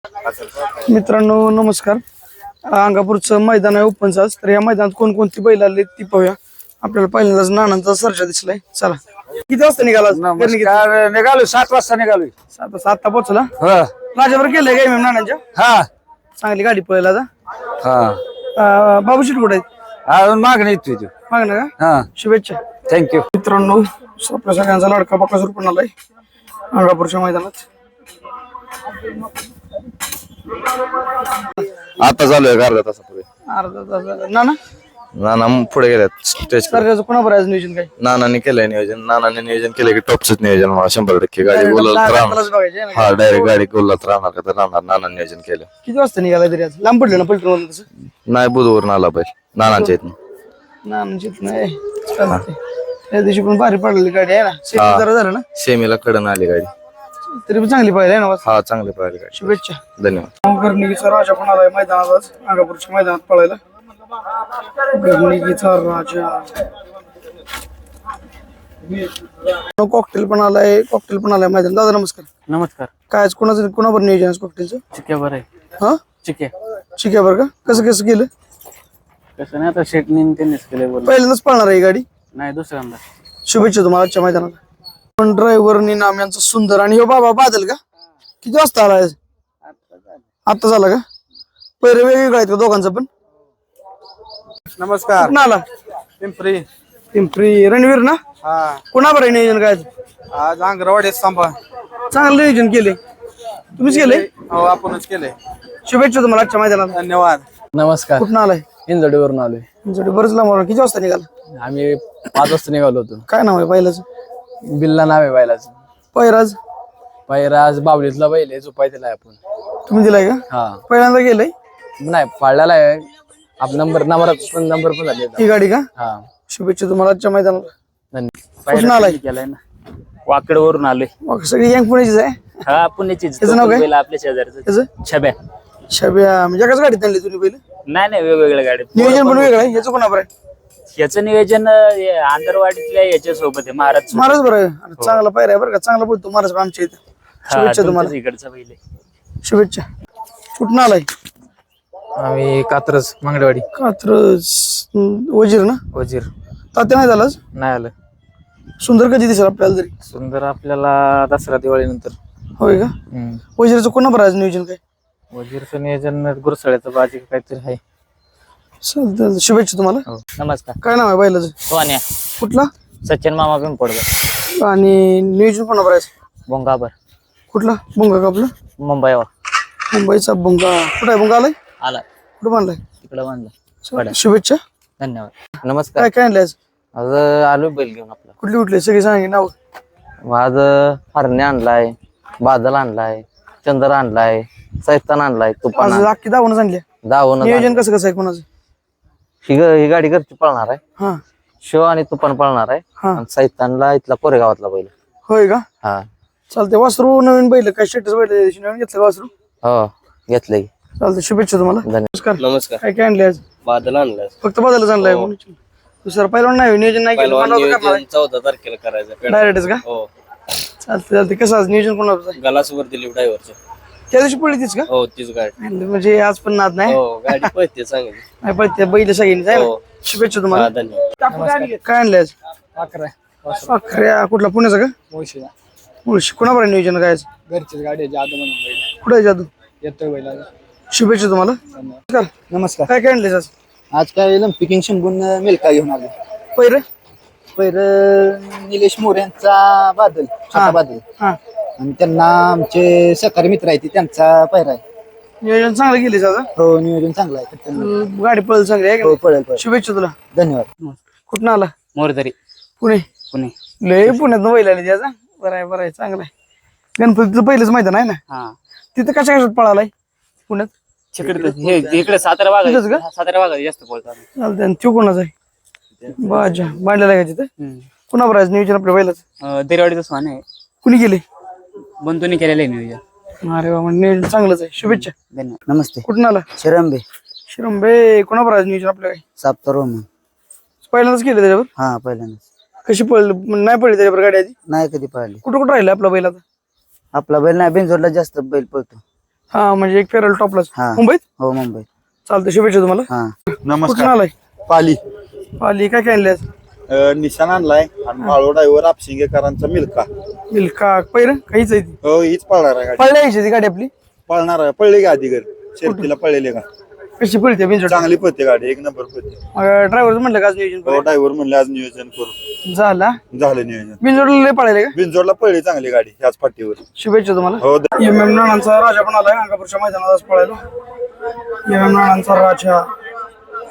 मित्रांनो नमस्कार. अंगापूरचं मैदान आहे ओपनचं आज. तर या मैदानात कोणकोणती बैल आले ती पाहूया. आपल्याला पहिल्यांदाच नानांचा सर्जा दिसलाय. चला किती वाजता निघाला? निघालो 7 वाजता निघालो. 7 पोहोचला. राजावर केलंय काय मॅम नानांच्या? हा चांगली गाडी पळायला आता. हा बाबू शेट कुठे आहेत? अजून मागणी येते मागणं का? हा शुभेच्छा. थँक्यू. मित्रांनो आपल्या सगळ्यांचा लाडका बकासूर पण आलाय अंगापूरच्या मैदानात. आता चालू आहे अर्धा तासापूर्वी. अर्धा तास झाला. नाना नाना पुढे गेल्यात स्टेज. सर्जाचं कोणावर आहे नियोजन काय? नानाने केलंय नियोजन. नानाने नियोजन केलं की टॉपच नियोजन मला 100% गाडी गोलात राहणार. बघायचे ना. हा डायरेक्ट गाडी गोलात राहणार का तर राहणार. नाना नियोजन केलं. किती वाजता निघाला तरी आज? लांब पडलं ना पलटून तसं? नाही बुधवरून आला पाहिजे नानांच्या इथून. नानांची नाही चालते. त्या दिवशी पण भारी पडलेली गाडी आहे ना. सेमी जरा झालं ना. सेमीला कडन आली गाडी. तरी पण चांगली पाहिजे ना. हा चांगली पाहिली गाडी. शुभेच्छा. धन्यवाद. गर्णिकीचा राजा पण आलाय मैदानात आज अंगापूरच्या मैदानात पळायला. गर्णिकीचा राजा कॉकटेल पण आलाय. कॉकटेल पण आलाय मैदान. दादा नमस्कार. नमस्कार. काय आज कोणाबर नियोजन आज कॉकटेलचं? चिक्यावर आहे. हा चिक्या ठीक आहे बरं का. कसं केलं? कसं नाही आता शेटनी त्यांनीच केलंय. बोल पहिल्यांदाच पळणार आहे ही गाडी? नाही दुसऱ्यांदा. शुभेच्छा तुम्हाला आजच्या मैदानाला. पण ड्रायव्हर नाम यांचं सुंदर आणि हो बाबा बादल का? किती वाजता आला? आता झाला का? पहिले वेगवेगळं आहेत का दोघांचं पण? नमस्कार. कुठं आला? पिंपरी. पिंपरी रणवीर ना? हा कोणाबर आहे नियोजन काय? आज अंगरवाडी सांभा. चांगलं नियोजन केले. तुम्हीच केले? हो आपणच केले. शुभेच्छा तुम्हाला आजच्या मैदानाला. धन्यवाद. नमस्कार. कुठं आलाय? इंजडीवरून आलोय. तुमच्याकडे बरंच लांब आला. किती वाजता निघाला? आम्ही 5 वाजता निघालो होतो. काय नाव आहे पहिल्याच? बिल्ला नाव आहे बैलाचं. पैराज पैराज बावलीतला बैल आहे. झोपाय दिलाय आपण. तुम्ही दिलाय का? हा पहिल्यांदा गेलंय नाही पाळलेला आहे. आप नंबर पण झाले. ही गाडी का? हा शुभेच्छा तुम्हाला आजच्या मैदानाला. धन्यवाद. कुठून आलाय? केलाय ना. वाकडवरून आलोय. मग सगळी यंग पुण्याचीच आहे. हा पुण्याचीच. त्याचं नाव काय? बैल आपल्या शेजारचं त्याचं छब्या. छब्या म्हणजे एकाच गाडीत आणली तुम्ही पहिले? नाही वेगवेगळ्या गाड्या. नियोजन पण वेगळं आहे. ह्याचं कोणाबर आहे? याचं नियोजन आंधरवाडीतल्या याच्या सोबत आहे. महाराज महाराज बरं आहे. चांगला पायरा आहे बरं का. चांगला बोलतो महाराज आमच्या इथे. शुभेच्छा तुम्हाला. इकडचा बैल आहे. शुभेच्छा. कुठून आलाय? आम्ही कात्रज मंगळवाडी. कात्रज वजीर ना? वजीर. तात्या नाही झालाच? नाही आलं. सुंदर कधी दिसेल आपल्याला तरी? सुंदर आपल्याला दसरा दिवाळी नंतर. होय का? वजीरचं कोणाबर आहे नियोजन काय? वजीरचं नियोजन गुरसळ्याचं बाजी काहीतरी आहे. चालतंय. शुभेच्छा तुम्हाला. नमस्कार. काय नाव आहे बैलाचं? सोन्या. कुठला? सचिन मामा पिंपडकर. आणि नियोजन कोणाबर आहे? बोंगाबर. कुठला बुंगा का आपला? मुंबईवर मुंबईचा बुंगा. कुठं आहे बुंगा? आलाय आला. कुठं बांधलाय? तिकडं बांधलं. शुभेच्छा. धन्यवाद. नमस्कार. काय काय आणले आज? आज आलो बैल घेऊन आपला. कुठली सगळी सांगे नाव? आज हरणे आणलाय, बादल आणलाय, चंद्र आणलाय, सैतान आणलाय, तुफान आज अख्खी दावून आणली. दावून. नियोजन कसं आहे कोणाचं? ही गाडी घरची पळणार आहे. हा शिव आणि तुफान पळणार आहे. हा आणि सैतानला इथला कोरेगावातला बैल. होय का? हा चालते. वासरू नवीन बैल काय? स्टेटस बैल नवीन घेतलं वासरू? हो घेतलंय. चालते. शुभेच्छा तुम्हाला. धन्यवाद. नमस्कार. काय काय आणले आज? बादल आणलाय. फक्त बदलच आणलाय. दुसरं पहिला नाही नियोजन नाही केलं. 14 तारखेला करायचं डायरेक्टच का? हो. चालते. कसं आज नियोजन कोणाचं आहे? गलासवर दिली ड्रायव्हरचं. त्या दिवशी पडली तीच का? हो तीच गाडी. म्हणजे आज पण नाद नाही. हो गाडी पळते चांगली. नाही पण त्या बैल सगळ्यांनी जाय ना. शुभेच्छा तुम्हाला. धन्यवाद. काय आणले आज? अखऱ्या. कुठला? पुण्याचा का? मुळशी. कोणाबर आहे नियोजन काय आज? घरचीच गाडी जादू म्हणून कुठे आहे जादू? येतोय बैला. शुभेच्छा तुम्हाला. नमस्कार. काय काय आणले आज? आज काय पिकिंग शिंगून मिल्का घेऊन आलो. पहिर निलेश मोरे यांचा बादल, छोटा बादल. हा आणि त्यांना आमचे सहकारी मित्र आहेत त्यांचा पैरा आहे. नियोजन चांगलं केले आज. हो नियोजन चांगलं आहे. गाडी पळल चांगली आहे का? हो पळेल. शुभेच्छा तुला. धन्यवाद. कुठं आला? मोरदरी. पुणे. लय पुण्यात बैल आली त्याचा. बरं आहे चांगलं आहे. गणपतीचं पहिलंच मैदान आहे ना? हा तिथं कशा पळालाय पुण्यात? इकडे सातारा भागात जास्त बोलतात. चालतंय. आणि तो कोणाचा आहे? बाजा बांधलेला आहे का तिथं? कुणावर आहे नियोजन आपल्या बैलाचं? देरवाडीचं स्वान आहे. कुणी केले? बंधूनी केलेलं आहे नियोजन. अरे बाबा नियोजन चांगलंच आहे. शुभेच्छा. धन्यवाद. नमस्ते. कुठून आला? शिरंबे. शिरंबे. कोणावर आहे नियोजन आपल्या? साप्तार. पहिल्यांदाच केलं त्याच्यावर? हा पहिल्यांदाच. कशी पळली? नाही पडली त्याच्यावर गाडी आधी? नाही कधी पळाली. कुठं राहिलं आपला बैल आता? आपला बैल नाही बिनजोडला जास्त बैल पळतो. हा म्हणजे एक फेरल टॉपलाच हा. मुंबईत. हो मुंबई. चालतं, शुभेच्छा तुम्हाला. हा. कुठून नमस्कार. आलाय? पाली. पाली काय काय आणले आज? निशाण आणलाय आणि माळो ड्रायव्हर आपशिंगेकरांचा मिल्का. मिल्का पैर काहीच आहे ती. हो हीच पळणार आहे गाडी. पळल्या यायची ती गाडी आपली. पळणार आहे. पळली का आधी घर शेतीला पळलेले का? कशी पळते बिनजोड? चांगली पळते गाडी, एक नंबर पळते. ड्रायव्हर म्हणलं का आज नियोजन हो करूया? ड्रायव्हर म्हणले आज नियोजन करू. झाला. झालं नियोजन. बिनजोडला लय पळायला का? बिनजोडला पळली चांगली गाडी ह्याच फाटीवर. शुभेच्छा तुम्हाला. हो एम एम नानांचा राजा पण आलाय अंगापूरच्या मैदानात आज पळायला. एम एम नानांचा राजा